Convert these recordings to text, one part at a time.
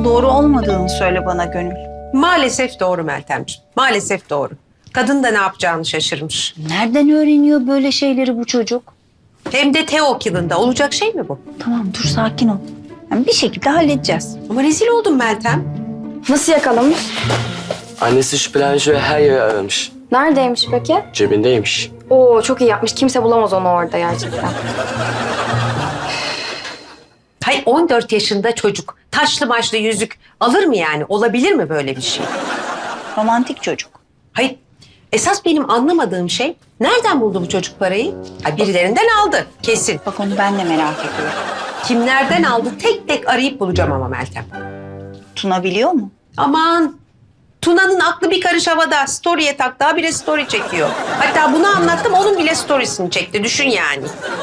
doğru olmadığını söyle bana Gönül. Maalesef doğru Meltemciğim. Maalesef doğru. Kadın da ne yapacağını şaşırmış. Nereden öğreniyor böyle şeyleri bu çocuk? Hem de Teok yılında. Olacak şey mi bu? Tamam dur sakin ol. Yani bir şekilde halledeceğiz. Ama rezil oldum Meltem. Nasıl yakalamış? Annesi şüphelenmiş ve her yeri aramış. Neredeymiş peki? Cebindeymiş. Oo çok iyi yapmış. Kimse bulamaz onu orada gerçekten. Hay 14 yaşında çocuk. Taşlı maçlı yüzük alır mı yani? Olabilir mi böyle bir şey? Romantik çocuk. Hayır. Esas benim anlamadığım şey nereden buldu bu çocuk parayı? Ha, birilerinden aldı kesin. Bak onu ben de merak ediyorum. Kimlerden aldı tek tek arayıp bulacağım ama Meltem. Tuna biliyor mu? Aman Tuna'nın aklı bir karış havada. Story'e tak daha bile story çekiyor. Hatta bunu anlattım onun bile storiesini çekti. Düşün yani.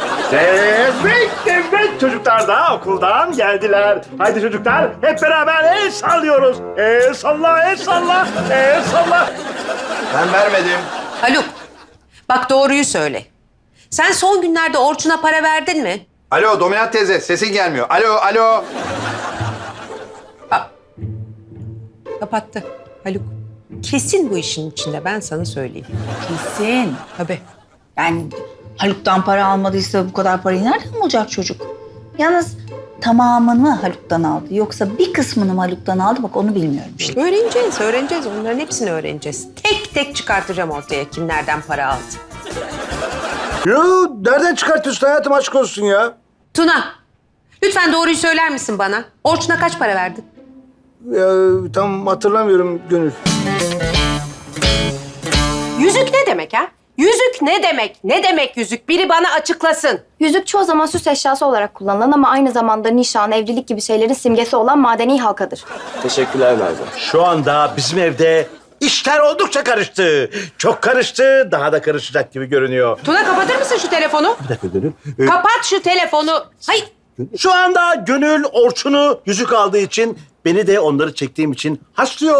Evet çocuklar da okuldan geldiler. Haydi çocuklar hep beraber el sallıyoruz. El salla, el salla, el salla. Ben vermedim. Haluk bak doğruyu söyle. Sen son günlerde Orçun'a para verdin mi? Alo Dominant teyze sesin gelmiyor. Alo. Kapattı Haluk. Kesin bu işin içinde ben sana söyleyeyim. Kesin. Tabii. Yani Haluk'tan para almadıysa bu kadar parayı nereden bulacak çocuk? Yalnız tamamını mı Haluk'tan aldı yoksa bir kısmını mı Haluk'tan aldı bak onu bilmiyorum işte. Öğreneceğiz. Onların hepsini öğreneceğiz. Tek tek çıkartacağım ortaya kim nereden para aldı. Yo, nereden çıkartıyorsun hayatım aşk olsun ya? Tuna, lütfen doğruyu söyler misin bana? Orçun'a kaç para verdin? Tam hatırlamıyorum Gönül. Yüzük ne demek ha? Yüzük ne demek? Ne demek yüzük? Biri bana açıklasın. Yüzük çoğu zaman süs eşyası olarak kullanılan ama aynı zamanda nişan, evlilik gibi şeylerin simgesi olan madeni halkadır. Teşekkürler Merve. Şu anda bizim evde işler oldukça karıştı. Çok karıştı, daha da karışacak gibi görünüyor. Tuna kapatır mısın şu telefonu? Bir dakika Gönül. Kapat şu telefonu. Hayır. Şu anda Gönül Orçun'u yüzük aldığı için, beni de onları çektiğim için haşlıyor.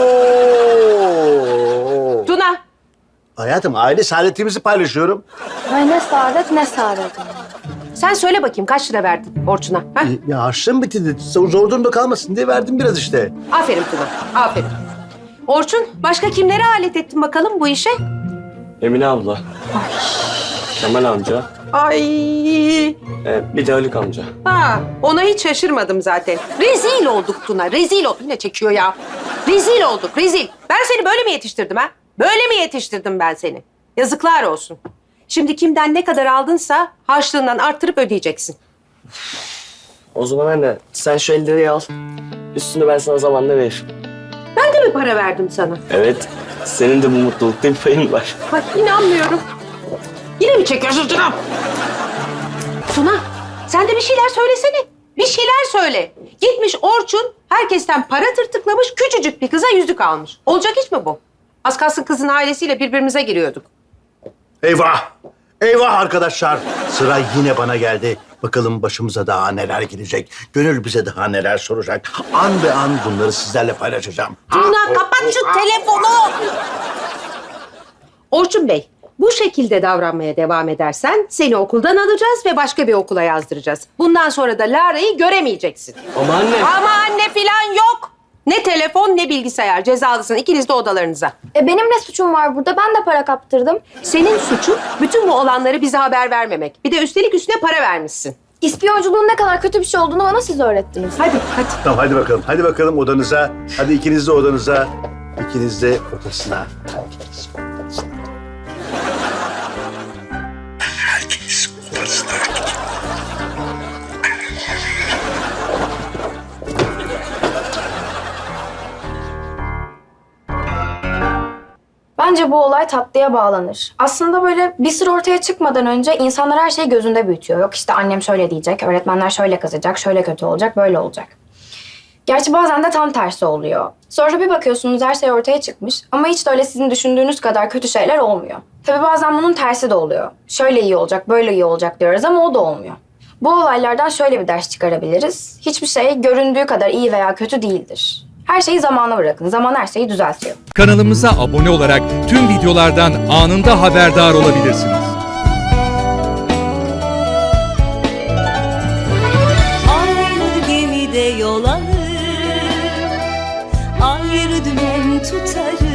Tuna. Hayatım aile saadetimizi paylaşıyorum. Ay ne saadet ne saadet. Sen söyle bakayım kaç lira verdin Orçun'a? Ha? Ya harçlığım bitti. Zor durumda kalmasın diye verdim biraz işte. Aferin Tuna. Aferin. Orçun başka kimlere alet ettin bakalım bu işe? Emine abla. Kemal amca. Ay. Bir de Haluk amca. Ha, ona hiç şaşırmadım zaten. Rezil olduk Tuna, rezil olduk. Yine çekiyor ya. Rezil olduk, rezil. Ben seni böyle mi yetiştirdim ha? Böyle mi yetiştirdim ben seni? Yazıklar olsun. Şimdi kimden ne kadar aldınsa harçlığından arttırıp ödeyeceksin. O zaman anne sen şu 50 lirayı al. Üstünü ben sana zamanla veririm. Ben de mi para verdim sana? Evet. Senin de bu mutlulukta bir payın var. Bak inanmıyorum. Yine mi çekiyorsun Tuna? Tuna, sen de bir şeyler söylesene. Bir şeyler söyle. Gitmiş Orçun, herkesten para tırtıklamış, küçücük bir kıza yüzük almış. Olacak iş mi bu? Az kalsın kızın ailesiyle birbirimize giriyorduk. Eyvah! Eyvah arkadaşlar! Sıra yine bana geldi. Bakalım başımıza daha neler gelecek. Gönül bize daha neler soracak. An be an bunları sizlerle paylaşacağım. Tuna kapat şu telefonu. Orçun Bey, bu şekilde davranmaya devam edersen seni okuldan alacağız ve başka bir okula yazdıracağız. Bundan sonra da Lara'yı göremeyeceksin. Ama anne. Ama anne filan yok. Ne telefon ne bilgisayar. Cezalısın ikiniz de odalarınıza. Benim ne suçum var burada? Ben de para kaptırdım. Senin suçun bütün bu olanları bize haber vermemek. Bir de üstelik üstüne para vermişsin. İspiyonculuğun ne kadar kötü bir şey olduğunu bana siz öğrettiniz. Hadi. Tamam hadi bakalım. Hadi bakalım odanıza. Hadi ikiniz de odanıza. İkiniz de odasına. Herkes odasına. Bence bu olay tatlıya bağlanır. Aslında böyle bir sır ortaya çıkmadan önce insanlar her şeyi gözünde büyütüyor. Yok işte annem şöyle diyecek, öğretmenler şöyle kızacak, şöyle kötü olacak, böyle olacak. Gerçi bazen de tam tersi oluyor. Sonra bir bakıyorsunuz her şey ortaya çıkmış ama hiç de öyle sizin düşündüğünüz kadar kötü şeyler olmuyor. Tabii bazen bunun tersi de oluyor. Şöyle iyi olacak, böyle iyi olacak diyoruz ama o da olmuyor. Bu olaylardan şöyle bir ders çıkarabiliriz. Hiçbir şey göründüğü kadar iyi veya kötü değildir. Her şeyi zamana bırakın. Zaman her şeyi düzeltiyor. Kanalımıza abone olarak tüm videolardan anında haberdar olabilirsiniz. Aynı gemide yol alır, bir dümen tutarım.